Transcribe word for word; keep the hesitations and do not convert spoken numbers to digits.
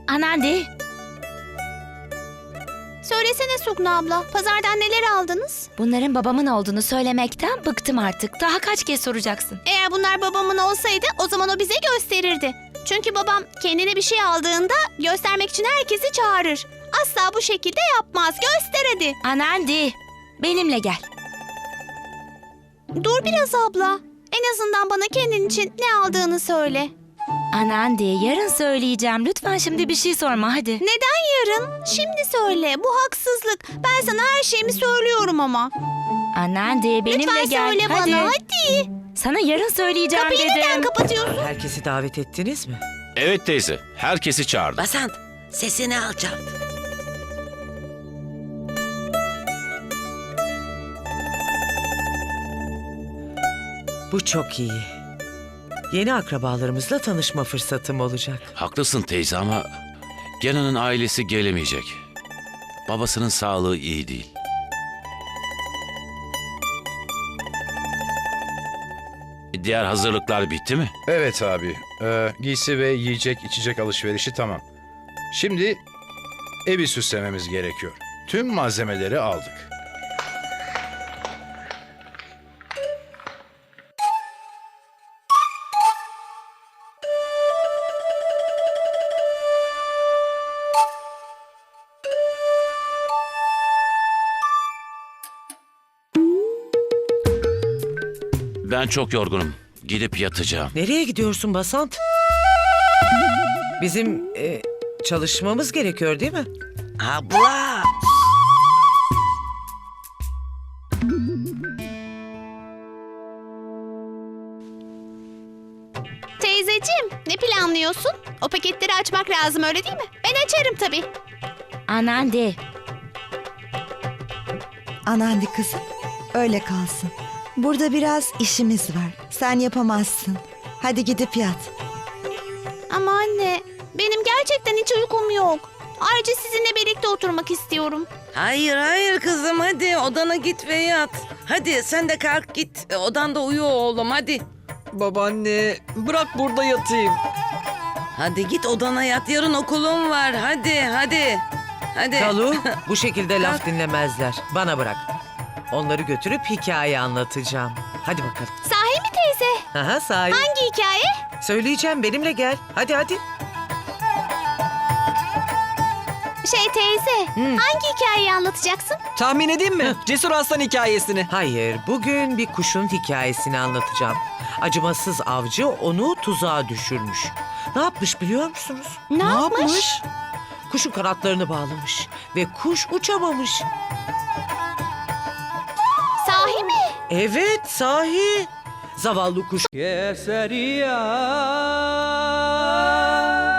Anandi. Söylesene Sugna abla, pazardan neler aldınız? Bunların babamın olduğunu söylemekten bıktım artık. Daha kaç kez soracaksın? Eğer bunlar babamın olsaydı o zaman o bize gösterirdi. Çünkü babam kendine bir şey aldığında göstermek için herkesi çağırır. Asla bu şekilde yapmaz. Göster hadi. Anandi, benimle gel. Dur biraz abla. En azından bana kendin için ne aldığını söyle. Anandi, yarın söyleyeceğim. Lütfen şimdi bir şey sorma hadi. Neden yarın? Şimdi söyle. Bu haksızlık. Ben sana her şeyimi söylüyorum ama. Anandi, benimle Lütfen gel. söyle hadi. bana hadi. Sana yarın söyleyeceğim Kapıyı dedim. neden kapatıyorsun? Herkesi davet ettiniz mi? Evet teyze, herkesi çağırdı. Basant, sesini alçalt. Bu çok iyi. Yeni akrabalarımızla tanışma fırsatım olacak. Haklısın teyze ama Gena'nın ailesi gelemeyecek. Babasının sağlığı iyi değil. Diğer hazırlıklar bitti mi? Evet abi. Ee, giysi ve yiyecek içecek alışverişi tamam. Şimdi evi süslememiz gerekiyor. Tüm malzemeleri aldık. Ben çok yorgunum. Gidip yatacağım. Nereye gidiyorsun Basant? Bizim e, çalışmamız gerekiyor değil mi? Abla! Teyzeciğim, ne planlıyorsun? O paketleri açmak lazım öyle değil mi? Ben açarım tabii. Anandi, Anandi kızım, öyle kalsın. Burada biraz işimiz var. Sen yapamazsın. Hadi gidip yat. Ama anne, benim gerçekten hiç uykum yok. Ayrıca sizinle birlikte oturmak istiyorum. Hayır hayır kızım, hadi odana git ve yat. Hadi sen de kalk git, odanda uyu oğlum, hadi. Babaanne, bırak burada yatayım. Hadi git odana yat, yarın okulum var, hadi hadi. Hadi. Kalu, bu şekilde laf dinlemezler. Bana bırak. Onları götürüp hikaye anlatacağım. Hadi bakalım. Sahi mi teyze? Aha, sahi. Hangi hikaye? Söyleyeceğim, benimle gel. Hadi hadi. Şey teyze, hangi hikayeyi anlatacaksın? Tahmin edeyim mi? Cesur Aslan hikayesini. Hayır, bugün bir kuşun hikayesini anlatacağım. Acımasız avcı onu tuzağa düşürmüş. Ne yapmış biliyor musunuz? Ne, yapmış? Kuşun kanatlarını bağlamış ve kuş uçamamış. Sahi mi? Evet, sahi. Zavallı kuş Keseria.